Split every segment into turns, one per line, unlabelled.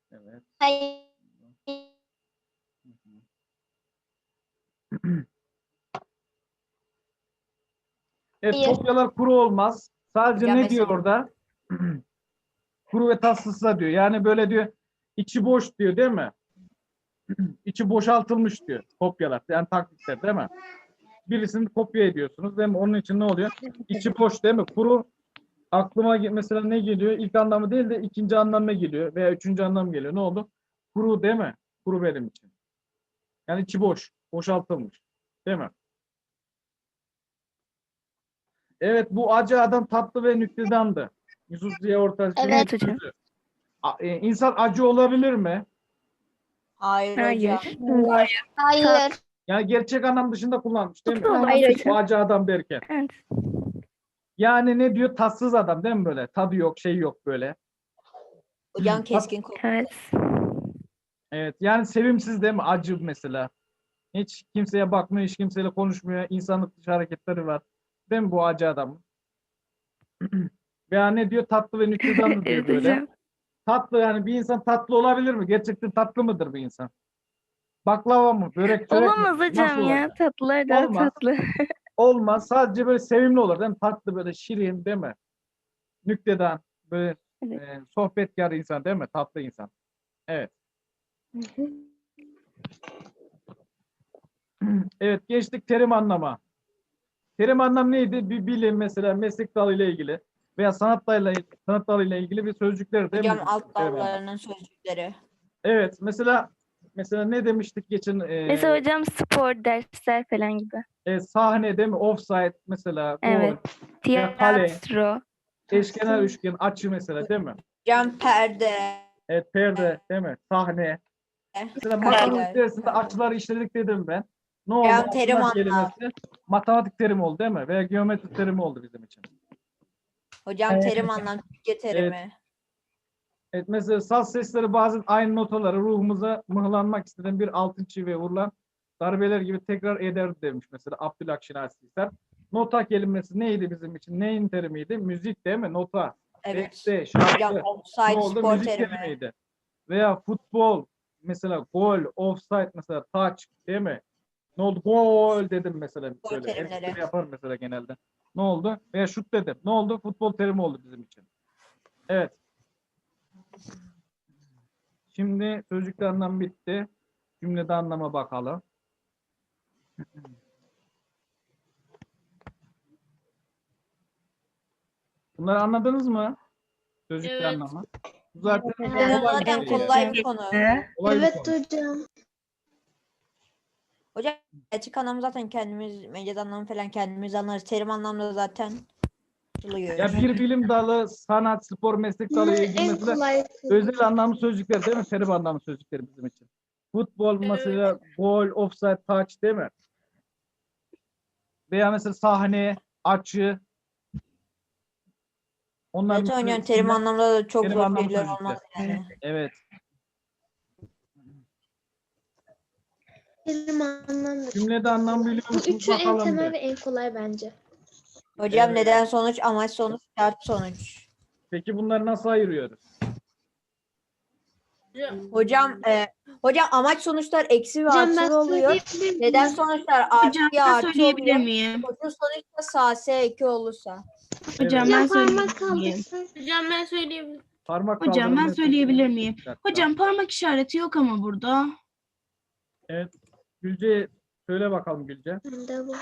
Evet.
Hayır.
Evet, kopyalar kuru olmaz. Sadece
Hocam
ne diyor
mesela-
orada? Kuru ve tatsızsa diyor. Yani böyle diyor, içi boş diyor değil mi? İçi boşaltılmış diyor kopyalar. Yani taklitler değil mi? Birisini kopya ediyorsunuz değil mi? Onun için ne oluyor? İçi boş değil mi? Kuru, aklıma mesela ne geliyor? İlk anlamı değil de ikinci anlamına geliyor veya üçüncü anlam geliyor. Ne oldu? Kuru değil mi? Kuru benim için. Yani içi boş, boşaltılmış. Değil mi? Evet, bu acı adam tatlı ve nüktedandı. Yusuf Ziya Ortaç'ın
Evet
hocam.
sözü. İnsan acı olabilir mi?
Hayır hocam.
Hayır.
Hayır.
Yani gerçek anlam dışında kullanmış değil mi?
Tatlı
Hayır
olabilir.
Bu acı adam derken.
Evet.
Yani ne diyor? Tatsız adam değil mi böyle? Tadı yok, şey yok böyle.
Hocam keskin koku.
Evet.
Evet, yani sevimsiz değil mi? Acı mesela. Hiç kimseye bakmıyor, hiç kimseyle konuşmuyor. İnsanlık dışı hareketleri var. Değil mi bu acı adam? Veya ne diyor? Tatlı ve nüktedanlı diyor
Evet
böyle.
hocam.
Tatlı, yani bir insan tatlı olabilir mi? Gerçekten tatlı mıdır bir insan? Baklava mı? Börek, çörek mi?
Olamaz
Nasıl
hocam ya.
olacak?
Tatlılar daha
Olmaz.
tatlı.
Olmaz. Sadece böyle sevimli olur değil mi? Tatlı, böyle şirin değil mi? Nüktedan, böyle
Evet.
sohbetkar insan değil mi? Tatlı insan. Evet. Evet, geçtik terim anlama. Terim anlam neydi? Bir bilim mesela, meslek dalıyla ilgili veya sanat dalıyla ilgili bir sözcükler değil mi?
Hocam alt
Terim anlam.
dallarının sözcükleri.
Evet, mesela ne demiştik geçen
Mesela hocam spor dersler falan gibi.
sahne değil mi? Offside mesela, gol,
Evet.
veya kale,
Tiyatro.
eşkenar üçgen, açı mesela değil mi?
Hocam perde.
Evet, perde değil mi? Sahne. Mesela matematik
Kareler.
dersinde açıları işledik dedim ben. Ne oldu?
Hocam terim
Açılar
anlam.
kelimesi matematik terimi oldu değil mi? Veya geometri terimi oldu bizim için.
Hocam terim anlam Türkçe terimi.
Evet, mesela saz sesleri bazen aynı notaları ruhumuza mıhlanmak istenen bir altın çiviye vurulan darbeler gibi tekrar eder demiş mesela Abdülhak Hisar. Nota kelimesi neydi bizim için? Neyin terimiydi? Müzik değil mi? Nota.
Evet.
Beste, şarkı.
Hocam
Ne
offside
oldu?
spor
Müzik
terimi.
terimiydi. Veya futbol mesela gol, offside mesela touch değil mi? Ne oldu? Gol dedim mesela
Spor
böyle.
terimleri.
Erkekler yapar mesela genelde. Ne oldu? Veya şut dedim. Ne oldu? Futbol terimi oldu bizim için. Evet. Şimdi sözcükte anlam bitti. Cümlede anlama bakalım. Bunları anladınız mı? Sözcükte
Evet.
anlamı. Bu zaten
Evet.
kolay bir
Zaten
şey
kolay
yani.
bir konu.
Kolay bir
Evet
konu.
hocam.
Hocam gerçek anlamı zaten kendimiz, mecaz anlamı falan kendimiz anlarız. Terim anlamda zaten buluyor.
Ya bir bilim dalı, sanat, spor, meslek dalı ile ilgili
En
mesela
kolay.
özel anlamlı sözcükler değil mi? Terim anlamlı sözcükler bizim için. Futbol mesela gol, offside, touch değil mi? Veya mesela sahne, açı. Onlar
Zaten
mesela
hocam terim
isimler,
anlamda da çok
terim
zor
anlamlı
şeyler
sözcükler.
olmaz yani.
Evet.
Terim anlamda.
Cümlede anlam biliyor
Bu
musunuz
üçü en
bakalım
temel
bir.
ve en kolay bence.
Hocam
Evet.
neden sonuç, amaç sonuç, şart sonuç.
Peki bunları nasıl ayırıyoruz?
Hocam amaç sonuçlar eksi ve
Hocam ben
artı oluyor.
söyleyebilir miyim?
Neden sonuçlar
Hocam
artı
ben
artı
söyleyebilir
oluyor.
miyim?
Koşul sonuçta sağ S eki olursa.
Hocam
Evet.
ben
Hocam parmak
söyleyebilir miyim?
kaldırsak.
Hocam ben söyleyeyim.
Parmak
Hocam ben
kaldırın.
söyleyebilir miyim?
Bir dakika.
Hocam parmak işareti yok ama burada.
Evet. Gülce söyle bakalım Gülce.
Bende bu.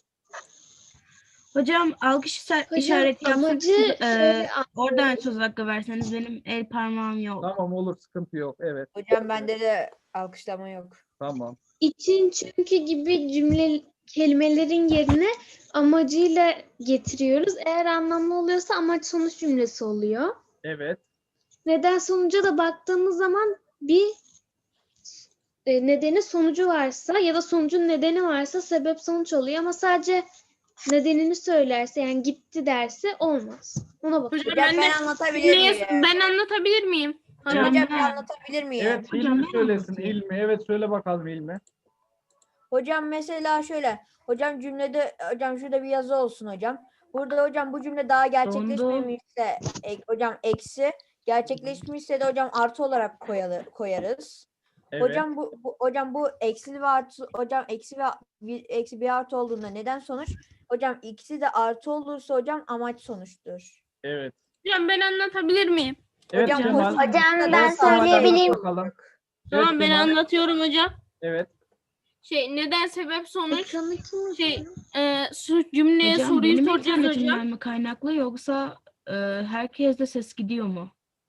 Hocam alkış
Hocam
işareti yapsanız
amacı şöyle
oradan söz hakkı verseniz benim el parmağım yok.
Tamam, olur, sıkıntı yok. Evet.
Hocam bende de alkışlama yok.
Tamam.
için çünkü gibi cümle kelimelerin yerine amacıyla getiriyoruz. Eğer anlamlı oluyorsa amaç sonuç cümlesi oluyor.
Evet.
Neden sonuca da baktığımız zaman bir nedeni sonucu varsa ya da sonucun nedeni varsa sebep sonuç oluyor ama sadece nedenini söylerse yani gitti derse olmaz. Ona bak.
Hocam
Hocam ben anlatabilir miyim?
ben anlatabilir miyim?
Hocam
Hocam
bir anlatabilir miyim?
Evet,
Hocam
İlmi
ben
söylesin.
anlatayım.
İlmi. Evet, söyle bakalım İlmi.
Hocam mesela şöyle. Hocam cümlede hocam şurada bir yazı olsun hocam. Burada hocam bu cümle daha gerçekleşmemişse hocam eksi. Gerçekleşmişse de hocam artı olarak koyarız.
Evet.
Hocam bu eksi ve artı hocam eksi bir artı olduğunda neden sonuç? Hocam ikisi de artı olursa hocam amaç sonuçtur.
Evet.
Hocam ben anlatabilir miyim?
Evet
Hocam,
Kemal.
hocam,
ben
Evet,
söyleyebilir
Kemal,
miyim?
bakalım.
Tamam
Evet,
ben
Kemal.
anlatıyorum hocam.
Evet.
Neden sebep sonuç
Ekranı kim
şey cümleye hocam soruyu benim soracağız hocam. internetimden mi kaynaklı yoksa herkeste ses gidiyor mu?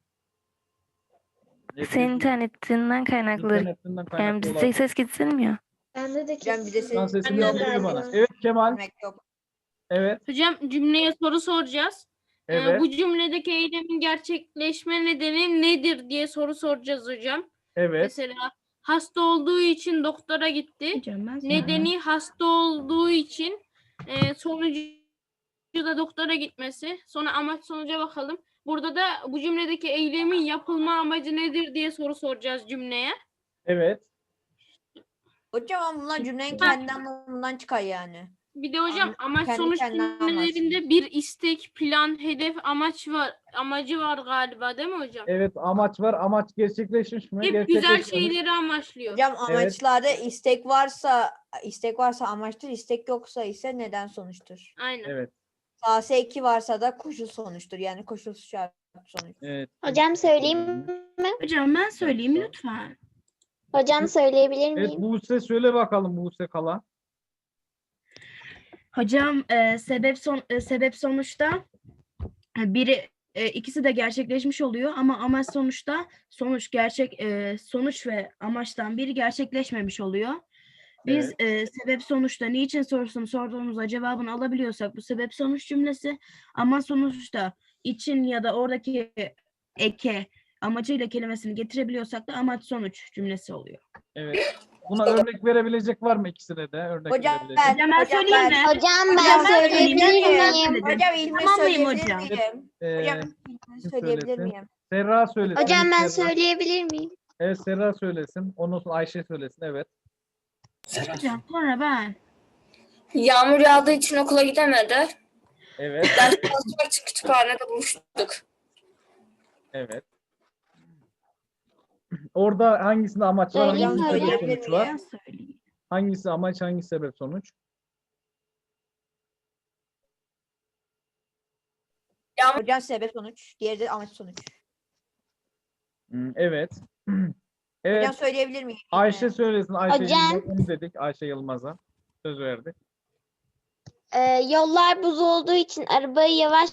Senin internetinden kaynaklı.
İnternetinden
Yani
kaynaklı
bizde
olabilir.
ses gitsilmiyor.
Bende de
Hocam bir de
kesin.
Şu an
senin
sesini
Anladım.
duyuyor bana.
Galiba.
Evet Kemal.
demek yok.
Evet.
Hocam cümleye soru soracağız.
Evet.
Bu cümledeki eylemin gerçekleşme nedeni nedir diye soru soracağız hocam.
Evet.
Mesela hasta olduğu için doktora gitti.
Hocam ben
Nedeni hasta olduğu için sonucu da doktora gitmesi. Sonra amaç sonuca bakalım. Burada da bu cümledeki eylemin yapılma amacı nedir diye soru soracağız cümleye.
Evet.
Hocam ama bunlar cümlenin kendi anlamından çıkar yani.
Bir de hocam amaç
kendi
sonuç
kendine
cümlelerinde bir istek, plan, hedef, amacı var galiba değil mi hocam?
Evet. Amaç var. Amaç gerçekleşmiş mi?
Hep güzel
Gerçekleşmemiş.
şeyleri amaçlıyor.
Hocam amaçlarda istek varsa amaçtır, istek yoksa ise neden sonuçtur.
Aynen.
Evet.
Sağ 2 varsa da koşul sonuçtur. Yani koşulsuz şart sonuç.
Evet.
Hocam söyleyeyim mi?
Hocam ben söyleyeyim lütfen.
Hocam söyleyebilir
Evet
miyim?
Buse söyle bakalım Buse Kala.
Hocam sebep sonuçta biri ikisi de gerçekleşmiş oluyor ama amaç sonuçta sonuç ve amaçtan biri gerçekleşmemiş oluyor. Biz sebep sonuçta niçin sorusunu sorduğumuzda cevabını alabiliyorsak bu sebep sonuç cümlesi, ama sonuçta için ya da oradaki eke amacıyla kelimesini getirebiliyorsak da amaç sonuç cümlesi oluyor.
Evet. Buna örnek verebilecek var mı ikisine de? Örnek
Hocam
verebilecek.
ben,
Hocam ben söyleyeyim mi?
Hocam
Hocam
ben söyleyebilir
söyleyeyim.
miyim?
Hocam ilmi
Tamamlayayım
söyleyebilir
hocam.
miyim? Hocam ilmi
kim
söyleyebilir
söylesin?
miyim?
Serra söylesin.
Hocam ben
Serra.
söyleyebilir miyim?
Evet Serra söylesin. Ondan sonra Ayşe söylesin. Evet.
Hocam sonra ben.
Yağmur yağdığı için okula gidemedi.
Evet.
Ders çalışmak için kütüphanede buluştuk.
Evet. Orada hangisinde amaç var?
Söyleyeyim
Hangisinde
mi
sebep
hocam?
sonuç var?
Ben söyleyeyim.
Hangisi amaç, hangisi sebep sonuç?
Hocam sebep sonuç. Diğeri de amaç sonuç.
Evet. Evet.
Hocam söyleyebilir miyim?
Ayşe söylesin. Ayşe
Hocam.
Yılmaz, onu dedik. Ayşe Yılmaz'a. Söz verdik.
Yollar buz olduğu için arabayı yavaş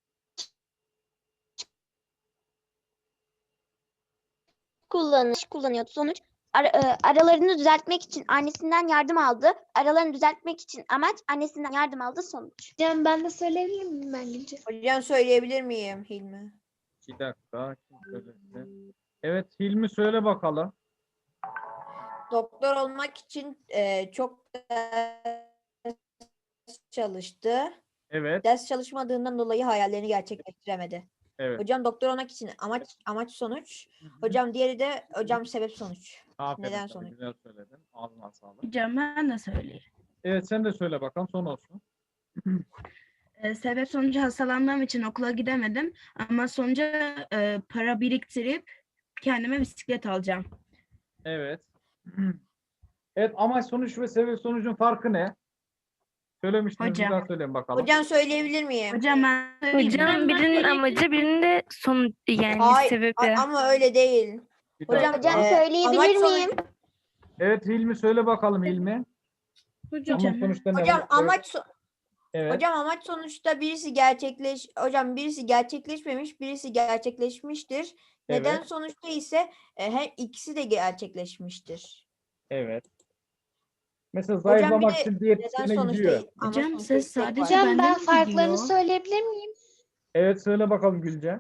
kullanıyordu. Sonuç aralarını düzeltmek için annesinden yardım aldı. Aralarını düzeltmek için amaç annesinden yardım aldı sonuç. Hocam ben de söyleyebilir miyim ben Gülce?
Hocam söyleyebilir miyim Hilmi?
Bir dakika. Kim söylesin? Evet Hilmi söyle bakalım.
Doktor olmak için çok ders çalıştı.
Evet.
Ders çalışmadığından dolayı hayallerini gerçekleştiremedi.
Evet.
Hocam doktor olmak için amaç sonuç. Hocam diğeri de hocam sebep sonuç.
Aferin
neden
sana,
sonuç?
güzel söyledin. Ağzına sağlık.
Hocam ben de söyleyeyim.
Evet sen de söyle bakalım son olsun.
Sebep sonucu hastalandığım için okula gidemedim ama sonuca para biriktirip kendime bisiklet alacağım.
Evet. Evet amaç sonuç ve sebep sonucun farkı ne? Söylemiştiniz bir
Hocam.
daha söyleyin bakalım.
Hocam söyleyebilir miyim?
Hocam ben söyleyeyim mi?
Hocam birinin amacı birinin de sonuç yani
Hayır
sebebi.
ama öyle değil.
Bir
Hocam,
dakika.
Hocam söyleyebilir
amaç sonuç-
miyim?
Evet Hilmi söyle bakalım Hilmi.
Hocam.
Ama sonuçta ne
Hocam
var? Evet.
Hocam amaç sonuçta birisi gerçekleşmemiş, birisi gerçekleşmiştir. Neden
Evet.
sonuçta ise her ikisi de gerçekleşmiştir.
Evet. Mesela
Hocam bir
zayıflamak
de
için
neden
diyetisyene
sonuçta
gidiyor.
amaç
Hocam,
sonuçta
siz
istek
sadece
var.
Hocam ben
benden mi
farklarını
gidiyor?
söyleyebilir miyim?
Evet söyle bakalım Gülce.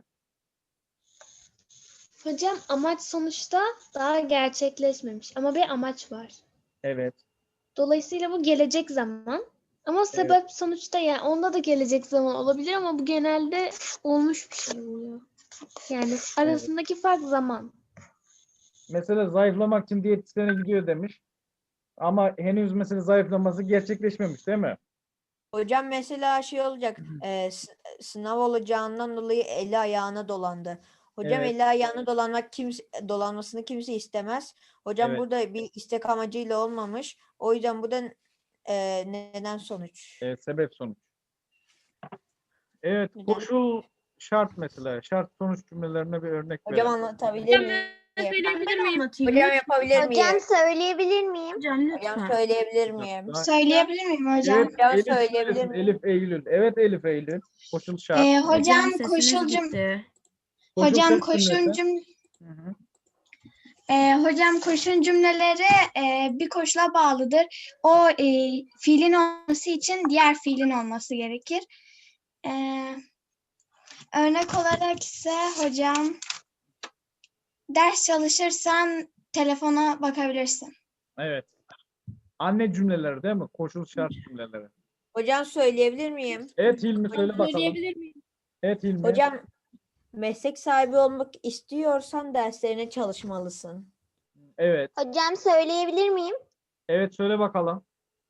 Hocam amaç sonuçta daha gerçekleşmemiş ama bir amaç var.
Evet.
Dolayısıyla bu gelecek zaman. Ama sebep sonuçta yani onda da gelecek zaman olabilir ama bu genelde olmuş bir şey oluyor. Yani arasındaki fark zaman.
Mesela zayıflamak için diyetisyene gidiyor demiş. Ama henüz mesela zayıflaması gerçekleşmemiş değil mi?
Hocam mesela şey olacak, sınav olacağından dolayı eli ayağına dolandı. Hocam
Evet.
eli ayağını dolanmasını kimse istemez. Hocam
Evet.
burada bir istek amacıyla olmamış. O yüzden bu da neden sonuç.
Sebep sonuç. Evet,
Neden?
koşul şart mesela. Şart sonuç cümlelerine bir örnek
Hocam
verelim.
anlatabilir
Hocam
miyim?
ben söyleyebilir miyim?
Anlatayım
Hocam
lütfen.
yapabilir miyim?
söyleyebilir miyim?
Hocam
Hocam
lütfen.
söyleyebilir miyim?
Daha-
Söyleyebilir miyim hocam?
Evet,
Hocam
Elif
söyleyebilir
söylesin.
miyim?
Elif Eylül. Evet Elif Eylül. Koşul şart.
Hocam
Sesiniz
koşul
gitti.
Koşul
hocam
şart
koşun
cümlesi.
cüm
Hı hı.
hocam koşun cümleleri bir koşula bağlıdır. O fiilin olması için diğer fiilin olması gerekir. E, Örnek olarak ise hocam ders çalışırsan telefona bakabilirsin.
Evet. Anne cümleleri değil mi? Koşul şart cümleleri.
Hocam söyleyebilir miyim?
Evet Hilmi söyle bakalım.
Söyleyebilir miyim?
Evet Hilmi.
Hocam meslek sahibi olmak istiyorsan derslerine çalışmalısın.
Evet.
Hocam söyleyebilir miyim?
Evet söyle bakalım.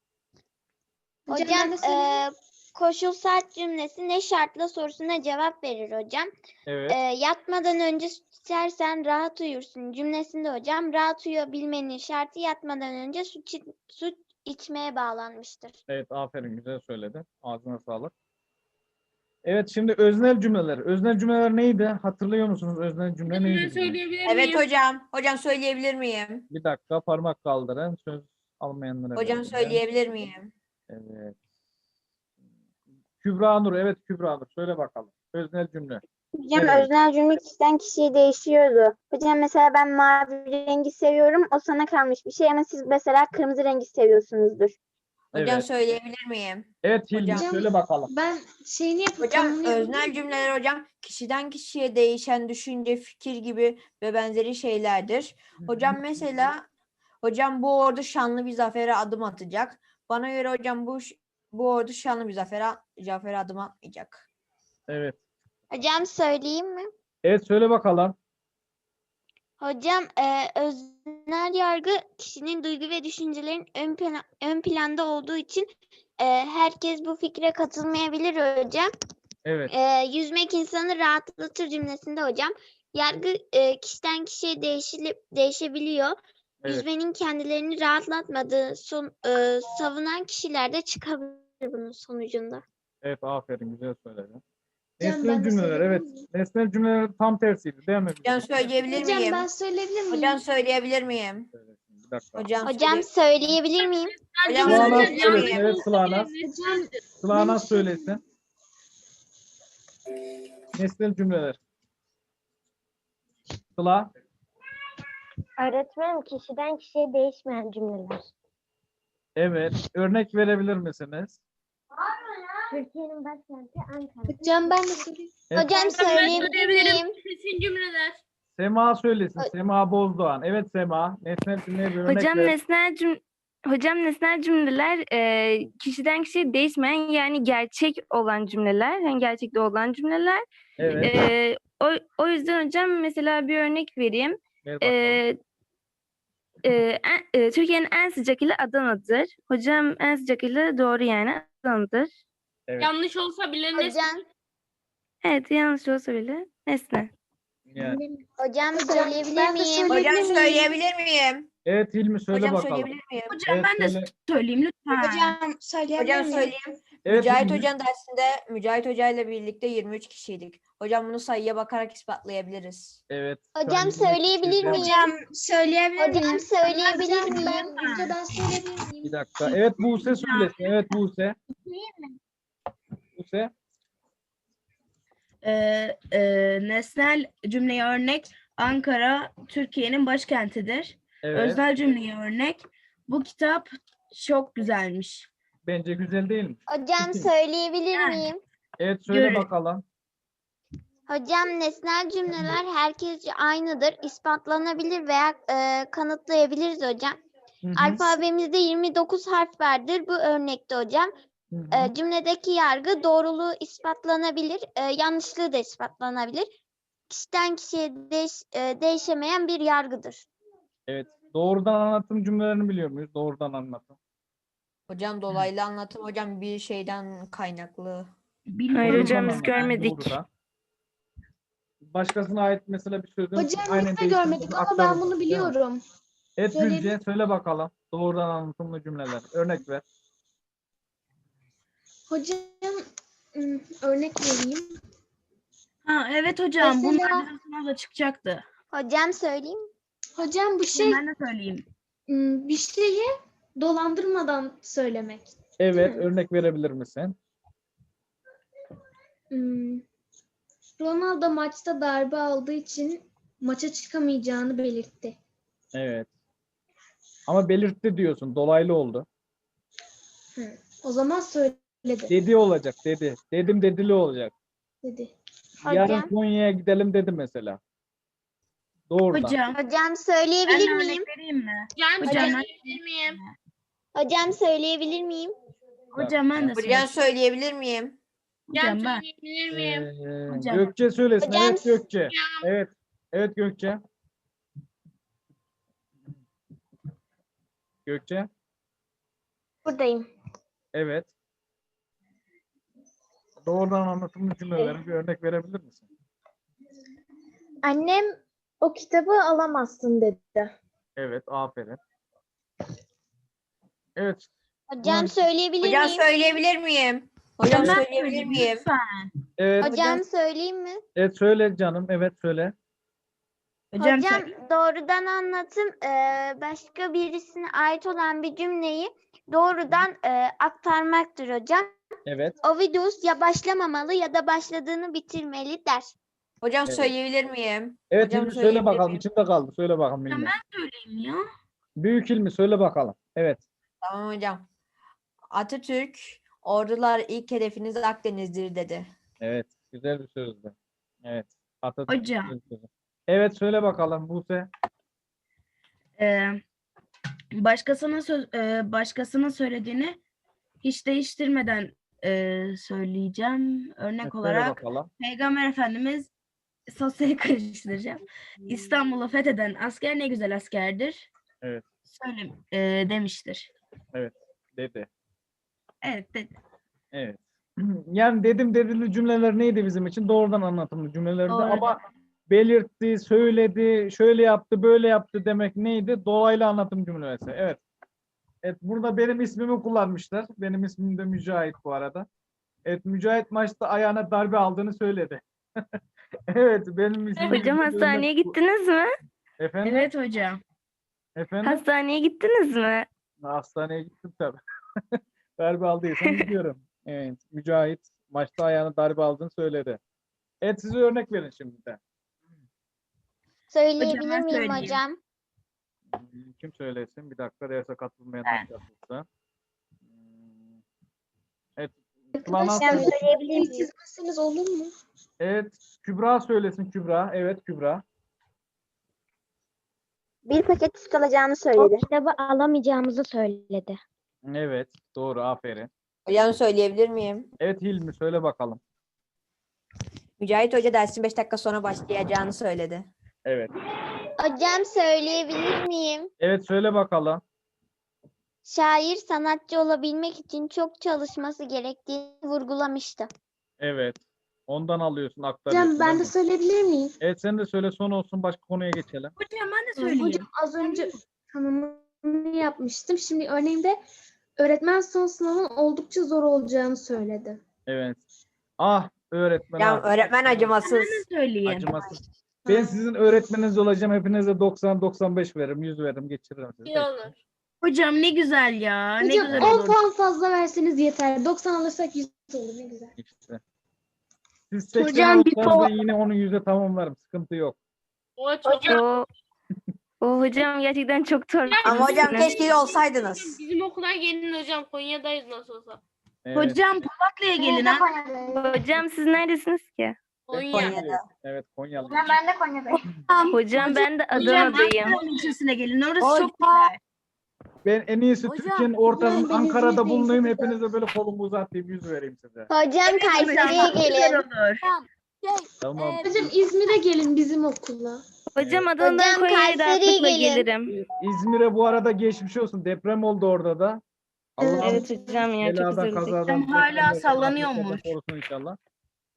Hocam koşul şart cümlesi ne şartla sorusuna cevap verir hocam.
Evet.
Yatmadan önce süt içersen rahat uyursun cümlesinde hocam rahat uyuyabilmenin şartı yatmadan önce süt içmeye bağlanmıştır.
Evet aferin güzel söyledin. Ağzına sağlık. Evet şimdi öznel cümleler. Öznel cümleler neydi? Hatırlıyor musunuz? Öznel cümle
Hocam ben
neydi? bizim?
söyleyebilir
Evet
miyim?
hocam. Hocam söyleyebilir miyim?
Bir dakika parmak kaldırın. Söz almayanlara
Hocam
vereceğim.
söyleyebilir miyim?
Evet. Kübra Nur. Evet Kübra Nur. Söyle bakalım. Öznel cümle.
Hocam
Evet.
öznel cümle kişiden kişiye değişiyordu. Hocam mesela ben mavi rengi seviyorum. O sana kalmış bir şey ama siz mesela kırmızı rengi seviyorsunuzdur.
Hocam
Evet.
söyleyebilir miyim?
Evet Hilmi
Hocam-
söyle bakalım.
Ben şeyini
Hocam öznel cümleler hocam kişiden kişiye değişen düşünce, fikir gibi ve benzeri şeylerdir. Hocam mesela hocam bu ordu şanlı bir zafere adım atacak. Bana göre hocam bu ordu şanlı bir zafere adım atmayacak.
Evet.
Hocam söyleyeyim mi?
Evet söyle bakalım.
Hocam öznel yargı kişinin duygu ve düşüncelerin ön planda olduğu için herkes bu fikre katılmayabilir hocam.
Evet.
Yüzmek insanı rahatlatır cümlesinde hocam. Yargı kişiden kişiye değişebiliyor.
Evet.
Yüzmenin kendilerini rahatlatmadığı savunan kişiler de çıkabilir bunun sonucunda.
Evet aferin güzel söyledin.
Hocam,
Nesnel
ben de
cümleler
söyleyebilir
evet.
miyim?
Nesnel cümleler tam tersiydi değil mi?
Hocam söyleyebilir miyim?
söyleyebilir
Hocam söyleyebilir miyim?
Bir dakika.
Hocam
Söyleyebilir miyim?
Hocam
Sıla'na
söyleyebilir
söylesin.
miyim?
Evet Sıla'na. Sıla'na söylesin. Nesnel cümleler. Sıla.
Öğretmenim kişiden kişiye değişmeyen cümleler.
Evet. Örnek verebilir misiniz?
Türkiye'nin başkenti Ankara. Hocam ben de söyleyeyim.
Evet.
Hocam
Ben
söyleyebilir
söyleyebilirim.
miyim?
Kesin cümleler.
Sema söylesin. Sema Bozdoğan. Evet Sema. Nesnel cümleye bir örnek
Hocam
ver.
nesnel cümleler kişiden kişiye değişmeyen yani gerçek olan cümleler, yani gerçekte olan cümleler.
Evet.
O yüzden hocam mesela bir örnek vereyim.
Ver bakalım.
Türkiye'nin en sıcak ili Adana'dır. Hocam en sıcak ili doğru yani Adana'dır.
Evet.
Yanlış olsa bile ne?
Hocam,
Evet yanlış olsa bile nesne.
Yani.
hocam söyleyebilir miyim?
Hocam söyleyebilir miyim?
Evet Hilmi söyle
Hocam
bakalım.
söyleyebilir miyim?
Hocam
Evet,
ben de
söyle.
söyleyeyim lütfen.
Hocam söyleyebilir
Hocam
miyim?
söyleyeyim.
Evet,
Mücahit
Hilmi.
Hoca'nın dersinde Mücahit Hoca ile birlikte 23 kişiydik. Hocam bunu sayıya bakarak ispatlayabiliriz.
Evet.
Hocam
Sen yirmi
söyleyebilir
kişiyiz, değil mi?
miyim?
Hocam söyleyebilir
Hocam
miyim?
söyleyebilir miyim?
Hocam
ben söyleyebilir miyim?
Bir dakika. Evet Buse söylesin. Evet Buse. Buse.
Nesnel cümleye örnek Ankara Türkiye'nin başkentidir.
Evet.
Öznel cümleye örnek bu kitap çok güzelmiş.
Bence güzel değil mi?
Hocam söyleyebilir
Yani.
miyim?
Evet söyle
Görün.
bakalım.
Hocam nesnel cümleler herkesce aynıdır. İspatlanabilir veya kanıtlayabiliriz hocam.
Hı hı.
Alfabemizde 29 harf vardır. Bu örnekte hocam.
Hı hı.
Cümledeki yargı doğruluğu ispatlanabilir, yanlışlığı da ispatlanabilir. Kişiden kişiye değişemeyen bir yargıdır.
Evet. Doğrudan anlatım cümlelerini biliyor muyuz? Doğrudan anlatım.
Hocam dolaylı anlatım hocam bir şeyden kaynaklı.
Hayır
Doğrudan
hocam biz
anlatım,
görmedik.
doğrudan. başkasına ait mesela bir sözün
Hocam
aynen
biz de
değiştirip
görmedik ama ben
aktarılması,
bunu
değil mi?
biliyorum.
Evet
Söyleyebilir
Gülce söyle bakalım. Doğrudan anlatımlı cümleler. Örnek ver.
Hocam örnek vereyim.
Ha evet hocam, bunlar
Mesela-
bizim sınavda çıkacaktı.
Hocam söyleyeyim.
Hocam bu şey
Ben de söyleyeyim.
bir şeyi dolandırmadan söylemek.
Evet
mi?
örnek verebilir misin?
Ronaldo maçta darbe aldığı için maça çıkamayacağını belirtti.
Evet. Ama belirtti diyorsun. Dolaylı oldu.
O zaman söyledi
Dedi olacak dedi. Dedim dedili olacak.
dedi.
Yarın
Hocam.
Konya'ya gidelim dedi mesela. Doğrudan.
Hocam
Hocam
ben
söyleyebilir
de
miyim?
örnek vereyim mi?
Hocam
Hocam,
söyleyebilir miyim?
Hocam söyleyebilir miyim?
Hocam ben de
Hocam
söyleyeyim.
söyleyebilir miyim?
Hocam
Hocam ben.
söyleyebilir miyim?
Hocam.
Gökçe söylesin.
Hocam-
Evet Gökçe. Evet. Evet Gökçe. Gökçe.
Buradayım.
Evet. Doğrudan anlatımlı cümlelerin bir örnek verebilir misin?
Annem o kitabı alamazsın dedi.
Evet. Aferin. Evet.
Hocam söyleyebilir
Hocam
miyim?
söyleyebilir miyim? Hocam
Ben
söyleyebilir
söyleyeyim,
miyim?
lütfen.
Evet.
Hocam söyleyeyim mi?
Evet söyle canım. Evet söyle.
Hocam,
Hocam doğrudan anlatım başka birisine ait olan bir cümleyi doğrudan aktarmaktır hocam.
Evet.
Ovidus ya başlamamalı ya da başladığını bitirmeli der.
Hocam
Evet.
söyleyebilir miyim?
Evet
Hocam
Hilmi söyle
söyleyebilir
bakalım.
miyim?
İçinde kaldı. Söyle bakalım
hocam
Hilmi.
ben söyleyeyim ya.
Büyük Hilmi söyle bakalım. Evet.
Tamam hocam. Atatürk, ordular ilk hedefiniz Akdeniz'dir dedi.
Evet. Güzel bir sözdü. Evet. Atatürk
Hocam.
güzel bir sözdü. Evet söyle bakalım Buse.
Başkasının söylediğini hiç değiştirmeden söyleyeceğim. Örnek
Evet, söyle
olarak
bakalım.
Peygamber Efendimiz, sosyal karıştıracağım. İstanbul'u fetheden asker ne güzel askerdir.
Evet.
Demiştir.
Dedi.
Evet dedi.
Evet. Yani dedim dedili cümleler neydi bizim için? Doğrudan anlatımlı cümlelerdi
Doğrudan.
ama belirtti, söyledi, şöyle yaptı, böyle yaptı demek neydi? Dolaylı anlatım cümlesi. Evet. Evet burada benim ismimi kullanmışlar. Benim ismim de Mücahit bu arada. Evet Mücahit maçta ayağına darbe aldığını söyledi. Evet benim ismim.
Hocam hastaneye gittiniz mi?
Efendim?
Evet hocam.
Efendim?
Hastaneye gittiniz mi?
Hastaneye gittim tabii. Darbe aldıysam gidiyorum. Evet. Mücahit maçta ayağına darbe aldığını söyledi. Evet size örnek verin şimdi de.
Söyleyebilir
ben
miyim
söyleyeyim.
hocam?
Kim söylesin? Bir dakika derse katılmayan
Ben.
katılsa. Evet.
Arkadaşlar
Tuğla
söyleyebilir miyim?
çizmezseniz olur mu?
Evet. Kübra söylesin Kübra. Evet Kübra.
Bir paket süt alacağını söyledi. O kitabı alamayacağımızı söyledi.
Evet. Doğru. Aferin.
Hocam söyleyebilir miyim?
Evet Hilmi söyle bakalım.
Mücahit Hoca dersin 5 dakika sonra başlayacağını söyledi.
Evet.
Hocam söyleyebilir miyim?
Evet söyle bakalım.
Şair sanatçı olabilmek için çok çalışması gerektiğini vurgulamıştı.
Evet. Ondan alıyorsun, aktarıyorsun.
Hocam ben
değil
de
mi?
söyleyebilir miyim?
Evet sen de söyle son olsun başka konuya geçelim.
Hocam ben de söyleyeyim.
Hocam az önce tanımını yapmıştım. Şimdi örneğinde öğretmen son sınavın oldukça zor olacağını söyledi.
Evet. Ah öğretmen.
Hocam
ah.
öğretmen acımasız.
Ben de söyleyeyim.
Acımasız. Ben sizin öğretmeniniz olacağım. Hepinize 90-95 veririm. 100 veririm. Geçiririm sizi.
İyi olur.
Hocam ne güzel ya. Ne
Hocam
güzel
10
olur.
puan fazla verseniz yeter. 90 alırsak 100 olur ne güzel.
İşte. Siz 80
Hocam, bir
alırsanız ben yine onun yüzde tamamlarım. Sıkıntı yok.
O çok
O hocam gerçekten çok zor.
Ama hocam
misiniz?
keşke olsaydınız.
bizim okula gelin hocam. Konya'dayız nasıl olsa.
Evet.
Hocam Polatlı'ya gelin ha.
Hocam siz neredesiniz ki?
Ben
Konya.
Konyalıyım. Evet Konyalı.
Ben de Konya'dayım.
Hocam ben de
Hocam
Adana'dayım.
Ankara ilçesine gelin. Orası
Hocam.
çok güzel.
Ben en iyisi Türkiye'nin ortasında
ben
Ankara'da
İzmir'deyim,
bulunayım.
çok güzel.
Hepinize böyle kolumu uzatayım. 100 vereyim size.
Hocam Kayseri'ye
Çok güzel
gelin.
olur.
Tamam.
Hocam İzmir'e gelin bizim okula.
Hocam Adana'dan
Hocam
Konya'ya
Kayseri'ye
rahatlıkla
gelin.
gelirim.
İzmir'e bu arada geçmiş olsun. Deprem oldu orada da.
Evet.
Allah'ım
Evet hocam ya çok
beladan,
üzüldük.
kazadan,
Hocam hala
depremden,
sallanıyormuş.
afetlerden korusun inşallah.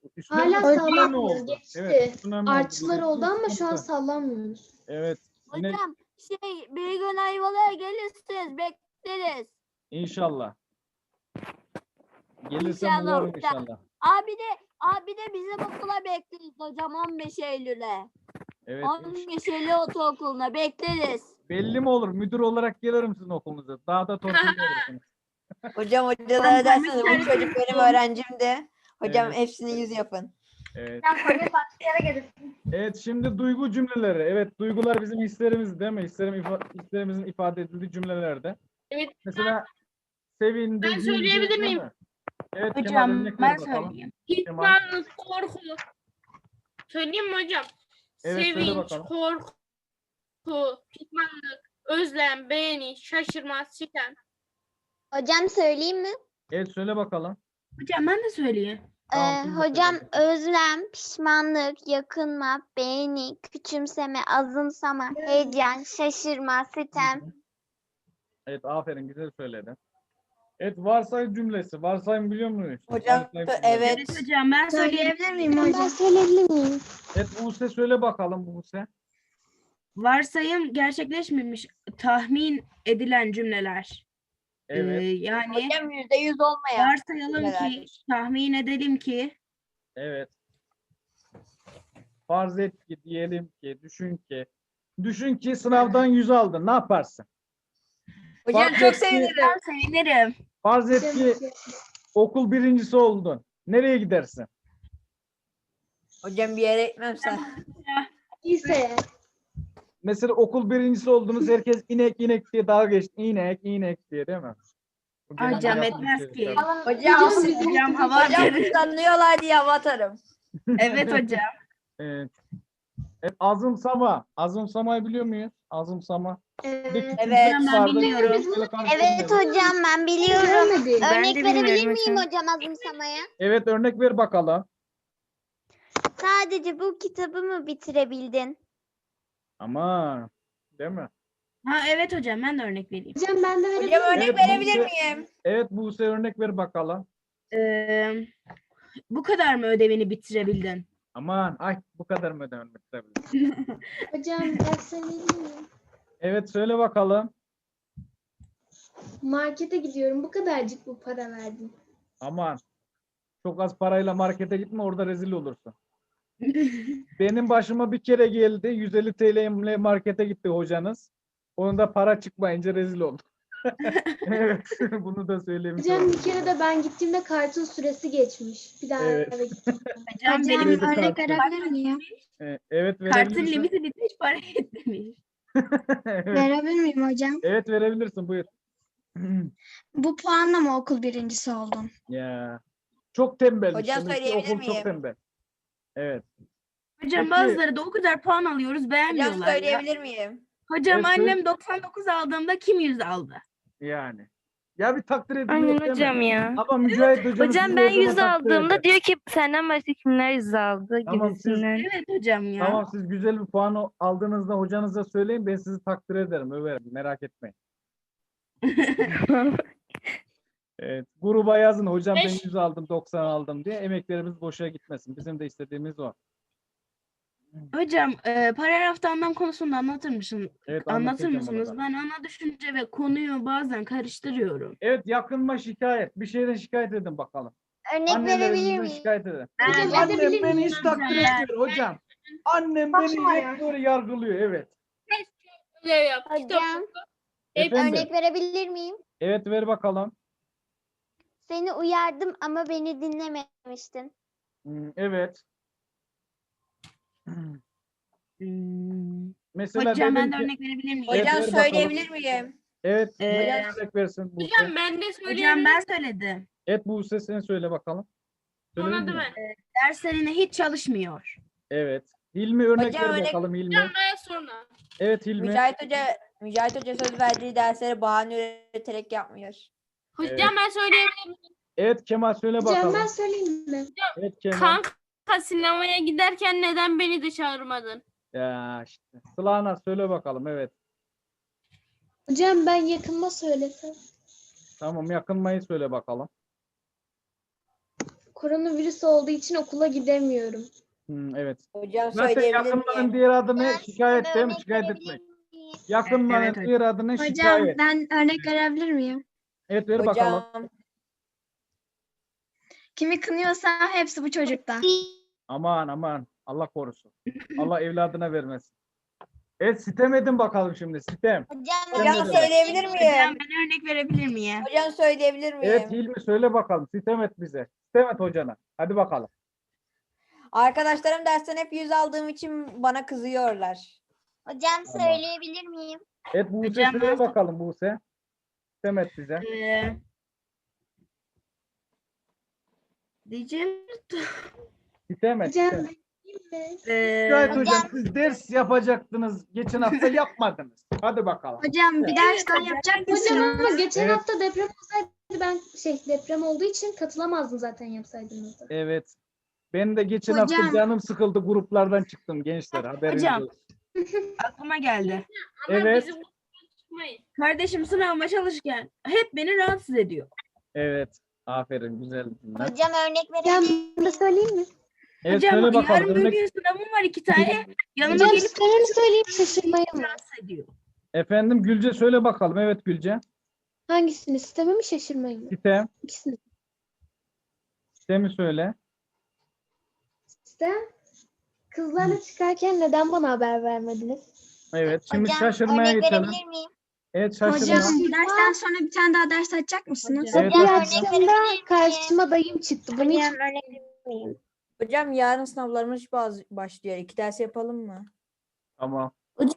Üstüne
Hala
tsunami
sallanmıyoruz.
oldu.
Geçti.
Evet, tsunami oldu.
Artçılar
Burası
oldu ama şu an
sıkıntı.
sallanmıyoruz.
Evet. Yine
Hocam bir gün Ayvalık'a gelirsiniz bekleriz.
inşallah. Gelirsem
İnşallah
uğrarım
hocam.
inşallah.
Abi de bizim okula bekleriz hocam 15 Eylül'e.
Evet.
15 Eylül ortaokuluna bekleriz.
Belli mi olur? Müdür olarak gelirim sizin okulunuza. Daha da torpil verirsiniz.
Hocam hocalara derseniz bu çocuk benim öğrencimdi. Hocam
Evet.
hepsini yüz yapın.
Evet. Evet, şimdi duygu cümleleri. Evet, duygular bizim hislerimiz değil mi? Hislerimizin ifade edildiği cümlelerde.
Evet.
Mesela sevindi,
Ben
güldü,
söyleyebilir
değil
miyim?
mi? Evet, Kemal
Hocam
örnek ver
ben
bakalım.
söyleyeyim.
Kemal.
Pişmanlık, korku. Söyleyeyim mi hocam?
Evet, söyle
Sevinç,
bakalım.
korku, pişmanlık, özlem, beğeni, şaşırma, sitem.
Hocam söyleyeyim mi?
Evet, söyle bakalım.
Hocam ben de söyleyeyim.
Tamam, siz de
Hocam
söyleyin.
özlem, pişmanlık, yakınma, beğeni, küçümseme, azımsama, heyecan, şaşırma, sitem.
Evet, aferin, güzel söyledin. Evet, varsayım cümlesi. Varsayım biliyor muyuz?
Hocam
Varsayım cümlesi.
evet.
Evet hocam ben söyleyebilirim.
Söyleyebilir miyim
Ben
hocam?
söyleyebilir miyim?
Evet, Buse söyle bakalım Buse.
Varsayım gerçekleşmemiş tahmin edilen cümleler.
Evet,
Yani
Hocam %100 olmayan.
varsayalım ki,
cümlelerdir.
tahmin edelim ki
evet. Farz et ki, diyelim ki, düşün ki sınavdan 100 aldın. Ne yaparsın?
Hocam
Farz
çok
et ki-
sevinirim.
ben sevinirim.
Farz et ki okul birincisi oldun. Nereye gidersin?
Hocam bir yere gitmem sen.
İyiyse.
Mesela okul birincisi oldunuz. Herkes inek inek diye dalga geçti. İnek inek diye değil mi? Bu genelde
Hocam
yapılan
etmez
şey
ki.
tabii.
Hocam,
Hocam hava
hocam
atarım.
kıskanıyorlar diye hava atarım.
Evet hocam.
Evet. Evet, azımsama. Azımsamayı biliyor muyuz? Azımsama. Bir de
Evet.
küçük
Evet.
bir
Ben
vardı.
biliyorum.
Böyle karıştırmayalım.
Evet hocam ben biliyorum.
Görmedim.
Ben
Örnek
de
verebilir
bilmiyorum
miyim
hocam.
hocam azımsamaya?
Evet, örnek ver bakalım.
Sadece bu kitabı mı bitirebildin?
Ama değil mi?
Ha evet hocam ben de örnek vereyim.
Hocam ben de verebilir
Hocam
miyim?
örnek
Evet,
verebilir
Buse.
miyim?
Evet, Buse örnek ver bakalım.
Ee, bu kadar mı ödevini bitirebildin?
Aman ay bu kadar mı ödemek tabii.
Hocam ben söyleyebilir miyim?
Evet, söyle bakalım.
Markete gidiyorum. Bu kadarcık bu para verdim.
Aman çok az parayla markete gitme, orada rezil olursun. Benim başıma bir kere geldi. 150 TL ile markete gitti hocanız. Onun da para çıkmayınca rezil oldum. Evet, bunu da söylemiş
Hocam
oldum.
bir kere de ben gittiğimde kartın süresi geçmiş. Bir daha
Evet.
eve gittim.
Hocam
Hocam
benim
Kredi
örnek
kartı.
verebilir miyim?
Evet,
kartın
verebilirsin.
limiti bitmiş para yetmemiş.
Evet.
Verebilir miyim hocam?
Evet, verebilirsin, buyur.
Bu puanla mı okul birincisi oldun?
Ya çok tembel.
Hocam
Demek ki
söyleyebilir
okul çok
miyim?
tembel. Evet.
Hocam
Peki.
bazıları da o kadar puan alıyoruz
Hocam
beğenmiyorlar ya.
söyleyebilir miyim?
Hocam
Evet, söyle.
annem 99 aldığımda kim 100 aldı?
Yani. Ya bir takdir edilmek
Aynen
değil mi?
hocam ya.
Ama Mücahit hocam
Hocam ben 100 aldığımda diyor ki senden başka kimler 100 aldı
Tamam, siz-
gibisinden.
Evet hocam ya.
Tamam, siz güzel bir puan aldığınızda hocanıza söyleyin, ben sizi takdir ederim, överim, merak etmeyin. Evet, gruba yazın hocam ben 100 aldım 90 aldım diye, emeklerimiz boşa gitmesin. Bizim de istediğimiz o.
Hocam paragrafta anlam konusunda anlatır mısınız?
Evet,
Anlatır
anlatacağım onu
mısınız?
da.
Ben ana düşünce ve konuyu bazen karıştırıyorum.
Evet, yakınma şikayet. Bir şeyden şikayet edin bakalım.
Örnek verebilir
Annelerinizden
miyim?
şikayet edin.
Hocam
Annem
edebilir
beni
miyim?
hiç takdir
Ben-
etmiyor hocam. Annem beni hep böyle yargılıyor, evet.
Ödev yap. kitap
Hocam
oku.
Efendim?
örnek verebilir miyim?
Evet, ver bakalım.
Seni uyardım ama beni dinlememiştin.
Evet.
Hmm.
Mesela
Hocam ben
dedim
de
ki-
örnek verebilir miyim?
Evet,
Hocam
ver bakalım.
söyleyebilir miyim?
Evet,
Ee,
hocam örnek versin Buse.
Hocam ben de
Hocam
söyleyebilirim.
ben söyledim.
Evet, Buse sen söyle bakalım.
Sonra
Söyledin
da
mi?
ben.
Derslerine hiç çalışmıyor.
Evet. Hilmi örnek
Hocam
ver
örnek-
bakalım Hilmi.
Hocam ben sonra.
Evet Hilmi.
Mücahit Hoca söz verdiği dersleri bahane üreterek yapmıyor.
Hocam ben söyleyebilirim.
Evet Kemal söyle
Hocam
bakalım.
ben söyleyeyim mi?
Evet Kemal.
Kanka sinemaya giderken neden beni de çağırmadın?
Ya işte. Sıla'na söyle bakalım, evet.
Hocam ben yakınma söylesem.
Tamam, yakınmayı söyle bakalım.
koronavirüs olduğu için okula gidemiyorum.
Evet.
Hocam
Zaten
söyleyebilir
yakınların
miyim?
diğer adı ne?
Ben
Şikayet
size
değil mi?
örnek
Şikayet
verebilir
etmek.
miyim?
Yakınların
Evet hocam.
diğer adı ne?
Hocam
Şikayet.
ben örnek verebilir miyim?
Evet ver bakalım.
Hocam
Kimi kınıyorsa hepsi bu çocuktan.
Aman aman. Allah korusun. Allah evladına vermesin. Evet sitem edin bakalım şimdi. Sitem.
hocam
Sen de
söyleyebilir
Hocam
miyim?
ben örnek verebilir miyim?
Hocam söyleyebilir miyim?
Evet Hilmi söyle bakalım. Sitem et bize. Sitem et hocana. Hadi bakalım.
Arkadaşlarım dersten hep 100 aldığım için bana kızıyorlar.
Hocam
Tamam.
söyleyebilir miyim?
Evet Buse
Hocam
söyle
ben-
bakalım Buse. Sitem et bize.
Diyeceğim.
Sitem et.
Hocam
sitem.
Ee,
Şikayet hocam siz ders yapacaktınız. Geçen hafta yapmadınız. Hadi bakalım.
Hocam bir ders daha yapacak
hocam
mısınız?
ama geçen
Evet.
hafta deprem olsaydı ben deprem olduğu için katılamazdım zaten yapsaydınız da.
Evet. Ben de geçen
Hocam.
hafta canım sıkıldı gruplardan çıktım gençler. Haberiniz
Hocam.
olsun.
aklıma geldi.
Ama
Evet.
bizi bu çıkmayın.
Kardeşim sınavıma çalışırken hep beni rahatsız ediyor.
Evet. Aferin güzel. cümle.
Hocam örnek
Hocam
verebilir
ben de söyleyeyim mi?
Evet
Hocam
söyle bakalım.
yarın bir
Örnek...
gün sınavım var 2 tane. Yanıma
Hocam
gelip
sistemini söyleyeyim şaşırmayın mı?
rahatsız ediyor.
Efendim Gülce söyle bakalım. Evet Gülce.
Hangisini? Sistemi mi şaşırmayın mı?
Sitem.
İkisini.
Sitemi söyle.
Sistem. Kızlarla çıkarken neden bana haber vermediniz?
Evet. Şimdi
Hocam
şaşırmaya
örnek
geçelim.
verebilir miyim?
Evet şaşırma.
Hocam dersten sonra bir tane daha ders açacak mısınız?
Evet,
Bir
hocam.
akşamda karşıma dayım çıktı. Bunu hiç
Hocam örnek verebilir miyim?
Hocam yarın sınavlarımız başlıyor. 2 ders yapalım mı?
Tamam.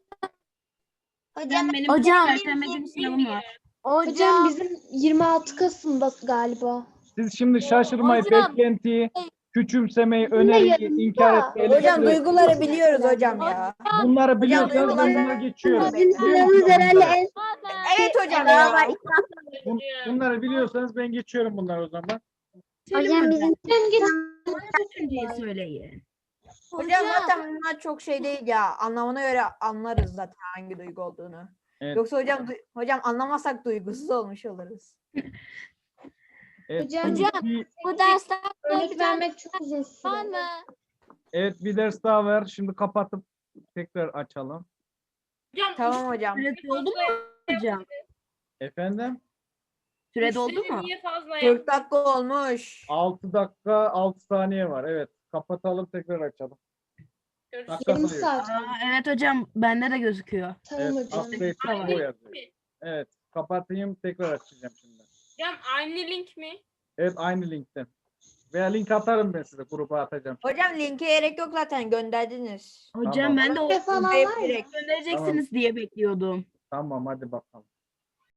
Hocam
Benim
hocam
Perşembe günü sınavım var.
Hocam bizim 26 Kasım'da galiba.
Siz şimdi şaşırmayı,
Hocam.
beklentiyi, küçümsemeyi,
Yine
öneriyi,
yanında.
inkar etmeyi.
Hocam
eleştiri-
duyguları biliyoruz hocam ya.
Bunları biliyorsanız ben
duygular-
bunları geçiyorum.
Bizim
Biliyor musunuz
sınavımız
bunları?
herhalde
Evet hocam ya.
Bunları biliyorsanız ben geçiyorum bunları o zaman.
Hocam bizim
en
düşünceyi söyleyin.
Hocam zaten bunlar çok şey değil ya. Anlamına göre anlarız zaten hangi duygu olduğunu.
Evet.
Yoksa hocam anlamazsak duygusuz olmuş oluruz.
Evet.
Hocam,
Bu dersten
örnek vermek çok uzun süre.
Evet bir ders daha ver. Şimdi kapatıp tekrar açalım.
Hocam
Tamam hocam.
Süre doldu mu hocam?
Efendim?
Süre doldu mu?
Niye fazla
40 dakika olmuş.
6 dakika 6 saniye var. Evet. Kapatalım tekrar açalım. Dakika
Yarım
sayıyor.
saat.
Evet hocam bende de gözüküyor.
Tamam
Evet.
hocam.
Update
Tamam.
bu yazıyor. Evet. Kapatayım tekrar açacağım şimdi.
Hocam aynı link mi?
Evet aynı linkten. Veya link atarım ben size gruba atacağım.
Hocam linke gerek yok zaten gönderdiniz.
Hocam
Tamam.
ben de o
Falan var ya.
Direkt.
göndereceksiniz diye bekliyordum.
Tamam hadi bakalım.